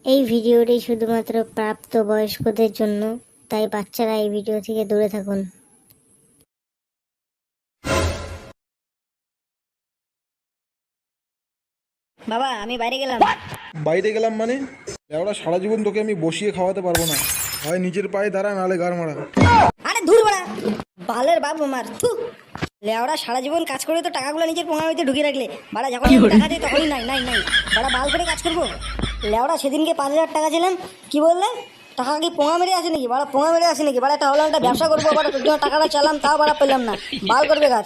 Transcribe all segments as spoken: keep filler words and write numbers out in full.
এই ভিডিওটি শুধুমাত্র প্রাপ্তবয়স্কদের জন্য, তাই বাচ্চারা এই ভিডিও থেকে দূরে থাকুন। বাবা আমি বাইরে গেলাম। বাইরে গেলাম মানে? লেওড়া সারা জীবন তোকে আমি বসিয়ে খাওয়াতে পারবো না, হয় নিজের পায়ে দাঁড়া নাহলে গাড় মারা। আরে ধুর বাড়া, বালের বাপ আমার থু। লেওড়া সারা জীবন কাজ করে তো টাকাগুলো নিজের পোঙা হইতে ঢুকিয়ে রাখলে, বাড়া যখন টাকা দেয় তখনই নাই নাই নাই, বাড়া বাল করে কাজ করবো। লেওড়া সেদিনকে পাঁচ হাজার টাকা ছিলাম, কি বললে টাকা কি পোঙা মেরে আসে নাকি? বাড়া পোঙা মেরে আসে নাকি? বাড়া একটা হলো একটা ব্যবসা করবো, বাড়া তোর জন্য টাকাটা চালাম তাও বাড়া পেলাম না, বাল করবে কাজ।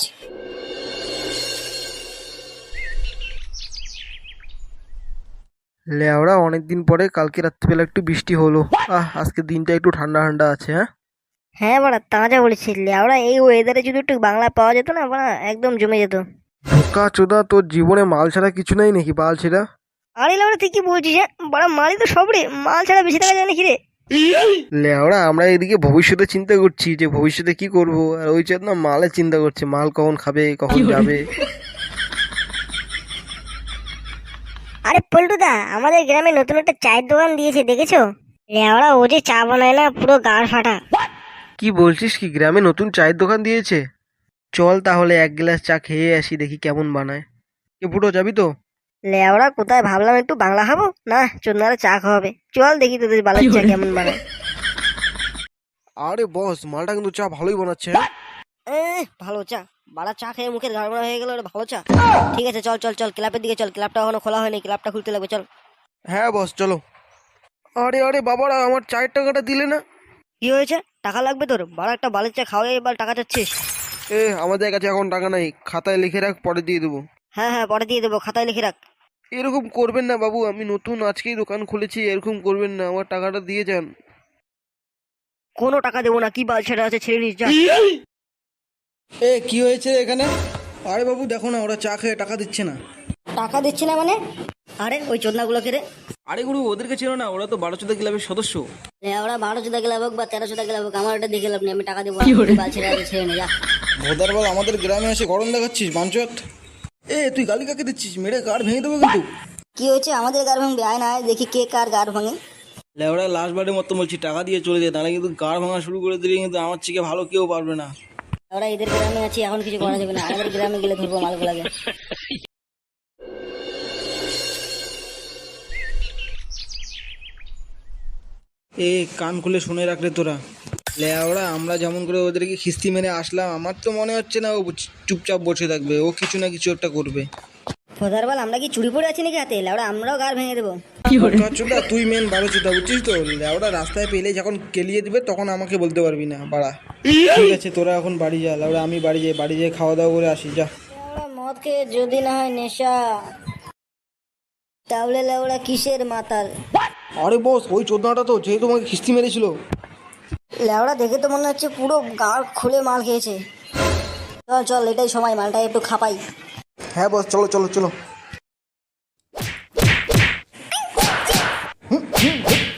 লেওড়া অনেকদিন পরে কালকে রাত্রিবেলা একটু বৃষ্টি হলো। আহ আজকে দিনটা একটু ঠান্ডা ঠান্ডা আছে। হ্যাঁ হ্যাঁ বাড়া তাজা বলেছি, লেওড়া এই ওয়েদারে যদি একটু বাংলা পাওয়া যেত না বাড়া একদম জমে যেত। বোকা চোদা, তোর জীবনে মাল ছাড়া কিছু নাই নাকি? বাল ছেড়া। আরে লেওড়া তুই কি বলছিস? হ্যাঁ বাড়া মালই তো সব রে, মাল ছাড়া বেশি টাকা যায় নাকি রে? লেওড়া আমরা এদিকে ভবিষ্যতে চিন্তা করছি যে ভবিষ্যতে কি করব, আর ওই চাঁদ না মালের চিন্তা করছে, মাল কখন খাবে কখন যাবে। আরে পল্টুদা, আমাদের গ্রামে নতুন একটা চায়ের দোকান দিয়েছে, দেখেছো? লেওড়া ও যে চা বানায় না, পুরো গাড় ফাটা। কি বলছিস? কি গ্রামে নতুন চায়ের দোকান দিয়েছে? চল তাহলে এক গ্লাস চা খেয়ে আসি, দেখি কেমন বানায়। কে ফুটো, যাবি তো? লেওড়া কোথায়, ভাবলাম একটু বাংলা খাবো না, চোদ্দারে চা খাওয়াবে, চল দেখি তোদের বালের চা কেমন বানায়। আরে বস, মালটা কিন্তু চা ভালোই বানাচ্ছে। এ ভালো চা, বাড়া চা খেয়ে মুখের গাড়বড়া হয়ে গেল, ওটা ভালো চা। ঠিক আছে চল চল চল, ক্লাবের দিকে চল, ক্লাবটা এখনো খোলা হয়নি, ক্লাবটা খুলতে লাগবে, চল। হ্যাঁ বস চলো। আরে আরে বাবারা, আমার চায়ের টাকাটা দিলে না? কি হয়েছে? টাকা লাগবে তোর? বাড়া একটা বালের চা খাওয়াই এবার টাকা চাচ্ছিস? এ আমাদের কাছে এখন টাকা নাই, খাতায় লিখে রাখ, পরে দিয়ে দেবো। হ্যাঁ হ্যাঁ পরে দিয়ে দেবো, খাতায় লিখে রাখ। এরকম করবেন না বাবু, আমি নতুন আজকেই দোকান খুলেছি, এরকম করবেন না, আমার টাকাটা দিয়ে যান। কোনো টাকা দেবো না, কি বাল ছেড়ে আছে, ছেড়ে নিস যা। এ কি হয়েছে এখানে? আরে বাবু দেখো না, ওরা চা খেয়ে টাকা দিচ্ছে না। টাকা দিচ্ছি না মানে? আরে ওই চোদনাগুলোকে রে। আরে গুরু, ওদেরকে ছিল না, ওরা তো বারোচোদা ক্লাবের সদস্য। ওরা বারো চোদা গেলে হোক বা তেরো চোদা গেলে হোক, আমার ওটা দেখে লাভ নেই, আমি টাকা দেবো না, বাল ছেড়ে আছে, ছেড়ে নে যা। ভোদার বল আমাদের গ্রামে এসে গরম দেখাচ্ছিস বাঞ্চত। এ তুই গালি কাকে দিচ্ছিস? মেরে গাড় ভেঙে দেবো কিন্তু। কি হয়েছে? আমাদের গাড় ভাঙবে, আয় না আয় দেখি কে কার গাড় ভাঙে। লেওড়া লাস্ট বারের মতো বলছি, টাকা দিয়ে চলে যায়, তাহলে কিন্তু গাড় ভাঙা শুরু করে দিলে কিন্তু আমার থেকে ভালো কেউ পারবে না। ওরা এদের গ্রামে আছি, এখন কিছু করা যাবে না, আমাদের গ্রামে গেলে ধরবো মালগুলাকে। এ কান খুলে শুনে রাখলে তোরা, লেওড়া আমরা যেমন করে ওদেরকে খিস্তি মেরে আসলাম, আমার তো মনে হচ্ছে না ও চুপচাপ বসে থাকবে, ও কিছু না কিছু একটা করবে। ফোদার বল, আমরা কি চুরি পড়ে আছি নাকি হাতে? লেওড়া আমরাও গাড় ভেঙে দেবো। চোদা তুই মেন বারো চোদা, বুঝছিস তো? লেওড়া রাস্তায় পেলে যখন কেলিয়ে দিবে তখন আমাকে বলতে পারবি না বাড়া। ঠিক আছে তোরা এখন বাড়ি যা, লেওড়া আমি বাড়ি যাই, বাড়ি যেয়ে খাওয়া দাওয়া করে আসি যা। লেওড়া মদ খেয়ে যদি না হয় নেশা, তাহলে লেওড়া কিসের মাতাল? আরে বস, ওই চোদনাটা তো যেই তোমাকে খিস্তি মেরেছিল। লেওড়া দেখে তো মনে হচ্ছে পুরো গাড় খুলে মাল খেয়েছে। চল চল, এটাই সময়, মালটা একটু খাপাই। হ্যাঁ বস, চলো চলো চলো।